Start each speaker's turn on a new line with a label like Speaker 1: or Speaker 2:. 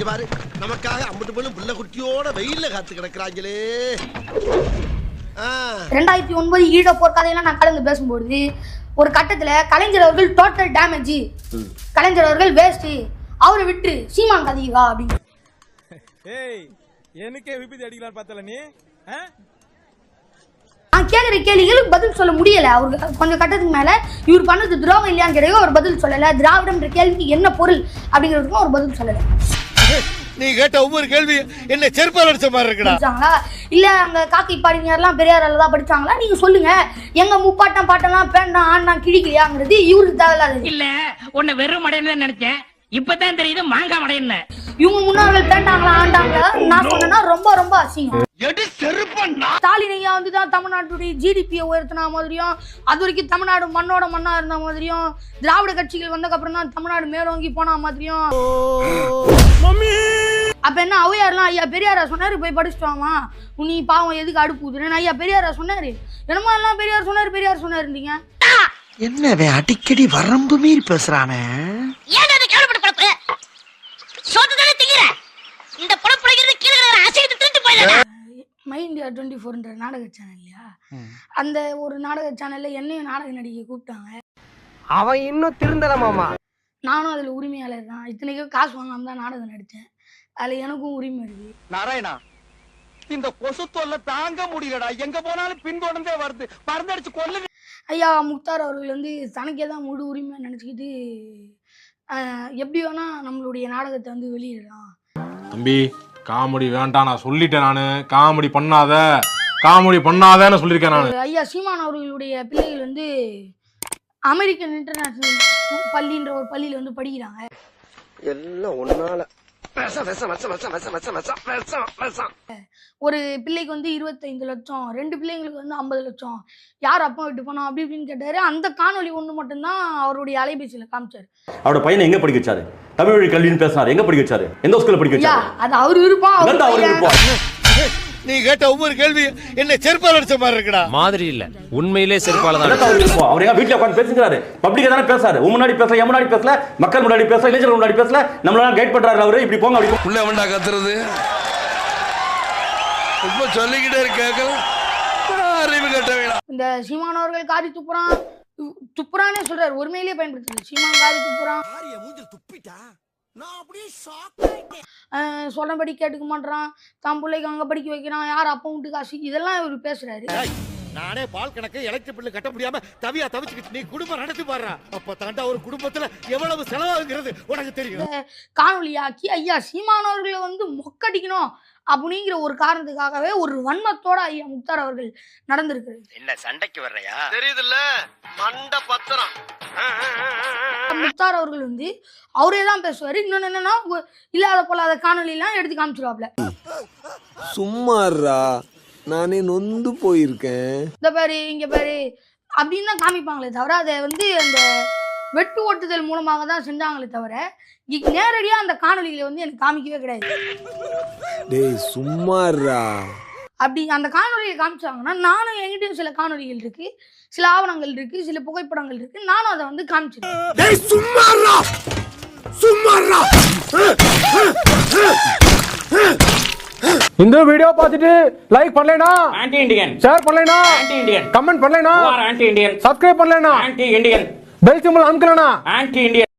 Speaker 1: பாரு நமக்காக அம்பட்டு பொண்ணு புள்ள குட்டியோட வெயில்ல காத்து கிடக்குறாங்களே.
Speaker 2: 2009 ஈழ போர் கதையெல்லாம் நான் கலந்து பேசும்போது ஒரு கட்டத்துல கலைஞர் அவர்கள் டோட்டல் டேமேஜ், கலைஞர் அவர்கள் வேஸ்ட், அவரை விட்டு சீமான் கதைவா அப்படின்னு.
Speaker 3: எனக்கே விபத்து அடிக்கலாம் பார்த்தல நீ.
Speaker 2: நான் கேட்குற கேள்விகளுக்கு பதில் சொல்ல முடியல. அவருக்கு கொஞ்சம் கட்டத்துக்கு மேல இவர் பண்ணது துரோகம் இல்லையான்னு கேட்க ஒரு பதில் சொல்லல. திராவிடம்ன்ற கேள்விக்கு என்ன பொருள் அப்படிங்கிறதுக்கும் ஒரு பதில் சொல்லல.
Speaker 1: நீ கேட்ட ஒவ்வொரு கேள்வி என்ன செருப்பால் அடிச்ச மாதிரி இருக்குடா.
Speaker 2: இல்ல அங்க காக்கை பாடினார்லாம் பெரியாரால தான் படிச்சாங்களா? நீங்க சொல்லுங்க. எங்க முப்பாட்டம் பாட்டெல்லாம் பேண்டா ஆண்டா கிழிக்கலையாங்கிறது இவருக்கு தேவையில்லாது.
Speaker 4: இல்ல உன்னை வெறும் மடையன்னு நினைச்சேன், இப்பதான் தெரியுது மாங்கா மடையன்னு.
Speaker 2: இவங்க முன்னோர்கள் பேண்டாங்களா ஆண்டாங்களா நான் சொன்னா ரொம்ப ரொம்ப அசிங்கம். ஸ்டாலின் ஐயா வந்துதான் தமிழ்நாட்டுடைய ஜிடிபியை உயர்த்தின மாதிரியும், அது வரைக்கும் தமிழ்நாடு மண்ணோட மண்ணா இருந்த மாதிரியும், திராவிட கட்சிகள் வந்ததுக்கு அப்புறம் தான் தமிழ்நாடு மேலோங்கி போன மாதிரியும். அப்ப என்ன ஔவையார்லாம் ஐயா பெரியாரா சொன்னாரு போய் படிச்சுட்டாமா நீ பாவம் எதுக்கு அடுப்புதுன்னு ஐயா பெரியாரா சொன்னாரு. என்னமோ எல்லாம் பெரியார் சொன்னாருந்தீங்க.
Speaker 5: என்னவே அடிக்கடி வரம்பு மீறி பேசுறானே.
Speaker 2: மை இந்தியா 24ன்ற நாடக சேனல் இல்லையா, அந்த ஒரு நாடக சேனல்ல என்னையும் நாடக நடிகை கூப்பிட்டாங்க.
Speaker 5: அவன் இன்னும் திருந்தலமாமா.
Speaker 2: நானும் அதுல உரிமையாளர் தான். இத்தனைக்கும் காசு வாங்காம தான் நாடகம் நடிச்சேன். அதுல எனக்கும் உரிமை இருக்கு.
Speaker 5: நாராயணா, இந்த கொசு தொல்லை தாங்க முடியலடா. எங்க போனாலும் பின்தொடர்ந்தே வருது. மருந்தடிச்சு கொல்லுங்க.
Speaker 2: ஐயா முக்தார் அவர்கள் வந்து தனக்கே தான் முழு உரிமை நினைச்சுக்கிட்டு எப்படி வேணா நம்மளுடைய நாடகத்தை வந்து வெளியிடலாம்.
Speaker 3: தம்பி காமெடி வேண்டாம், நான் சொல்லிட்டேன். நானு காமெடி பண்ணாதேன்னு சொல்லியிருக்கேன் நானு.
Speaker 2: ஐயா சீமான் அவர்களுடைய பிள்ளைகள் வந்து அமெரிக்கன் இன்டர்நேஷனல் பள்ளின்ற ஒரு பள்ளியில வந்து படிக்கிறாங்க.
Speaker 5: எல்லாம் ஒன்னால
Speaker 2: ஒரு பிள்ளைக்கு வந்து 25 லட்சம், 2 பிள்ளைங்களுக்கு வந்து 50 லட்சம், யார் அப்பா விட்டு போனோம் அப்படி இப்படின்னு கேட்டாரு. அந்த காணொலி ஒண்ணு மட்டும்தான் அவருடைய அலைபேசியில காமிச்சாரு.
Speaker 6: அவரோட பையனை எங்க படிக்க வச்சாரு? தமிழ் வழி கல்வின்னு பேசினாரு. எங்க படிக்க வச்சாரு? எந்த ஸ்கூல்ல படிக்க வச்சாரு?
Speaker 2: அது அவர் விருப்பம்.
Speaker 1: நீ கேட்ட ஒவ்வொரு கேள்வி என்ன செருப்பால் அடிச்ச மாதிரி இருக்குடா.
Speaker 7: மாதிரி இல்ல, உண்மையிலே செருப்பால தான்.
Speaker 6: அவர் எங்க வீட்டுல உட்கார்ந்து பேசுறாரு, பப்ளிக்கா தானே பேசாரு. முன்னாடி பேசல, என் முன்னாடி பேசல, மக்கள் முன்னாடி பேசல, இளைஞர்கள் முன்னாடி பேசல. நம்மள கைட் பண்றாரு அவரு. இப்படி போங்க அப்படி
Speaker 1: உள்ள வேண்டா கத்துறது. ரொம்ப சொல்லிக்கிட்டே இருக்காங்க. அறிவு கட்ட வேணாம்.
Speaker 2: இந்த சீமான் அவர்கள் காரி துப்புறானே சொல்றாரு. ஒருமையிலேயே பயன்படுத்துது. சீமான் காரி துப்புறான்.
Speaker 1: துப்பிட்டா நான் அப்படியே
Speaker 2: சொன்னபடி கேட்டுக்க மாட்டான். தான் பிள்ளைக்கு அங்க படிக்க வைக்கிறான். யார் அப்பா விட்டு காசு இதெல்லாம் இவர் பேசுறாரு.
Speaker 1: நானே பால் கணக்கு எலக்ட்ரிக் பில்லு கட்ட முடியாம தவிச்சுக்கிட்டு நீ குடும்பம் நடத்தி பாடுறா. அப்ப தாண்டா ஒரு குடும்பத்துல எவ்வளவு செலவாகுங்கிறது உனக்கு தெரியும்.
Speaker 2: காணொலியாக்கி ஐயா சீமானவர்களை வந்து மொக்கடிக்கணும் அப்படிங்கிற ஒரு காரணத்துக்காகவே ஒரு வன்மத்தோட ஐயா முக்தார் அவர்கள் நடந்திருக்கிறது.
Speaker 5: என்ன சண்டைக்கு வர்றையா?
Speaker 1: தெரியுதுல்ல மண்ட பத்திரம்.
Speaker 2: முக்தார் அவர்கள் வந்து அவரே தான் பேசுவாரு. இன்னொன்னு என்னன்னா இல்லாத போலாத காணொலி எல்லாம் எடுத்து காமிச்சிருவாப்ல.
Speaker 8: சும்மாறா நானே நொந்து போயிருக்கேன்.
Speaker 2: இந்த பாரு இங்க பாரு அப்படின்னு தான் காமிப்பாங்களே தவிர அதை வந்து அந்த வெட்டு ஓட்டுதல் மூலமாக தான் செஞ்சாங்களே தவிர நேரடியா அந்த காணொலிகளை வந்து எனக்கு காமிக்கவே கிடையாது.
Speaker 8: டேய் சும்மாறா.
Speaker 2: அப்படி அந்த காணொலியை காமிச்சாங்கன்னா நானும் என்கிட்டயும் சில காணொலிகள் இருக்கு, சில ஆவணங்கள் இருக்கு, சில புகைப்படங்கள் இருக்கு. நானும் அதை வந்து காமிச்சிருக்கேன்.
Speaker 1: டேய் சும்மாறா சும்மாறா.
Speaker 3: இந்த வீடியோ பார்த்துட்டு லைக் பண்ணலைனா
Speaker 7: ஆன்டி இண்டியன்,
Speaker 3: ஷேர் பண்ணலைனா
Speaker 7: ஆன்டி இண்டியன்,
Speaker 3: கமெண்ட் பண்ணலைனா
Speaker 7: ஆன்டி இண்டியன்,
Speaker 3: சப்ஸ்கிரைப் பண்ணலைனா
Speaker 7: ஆன்டி இண்டியன்,
Speaker 3: பெல் சிம்பல் அமுக்கலைனா
Speaker 7: ஆன்டி இண்டியன்.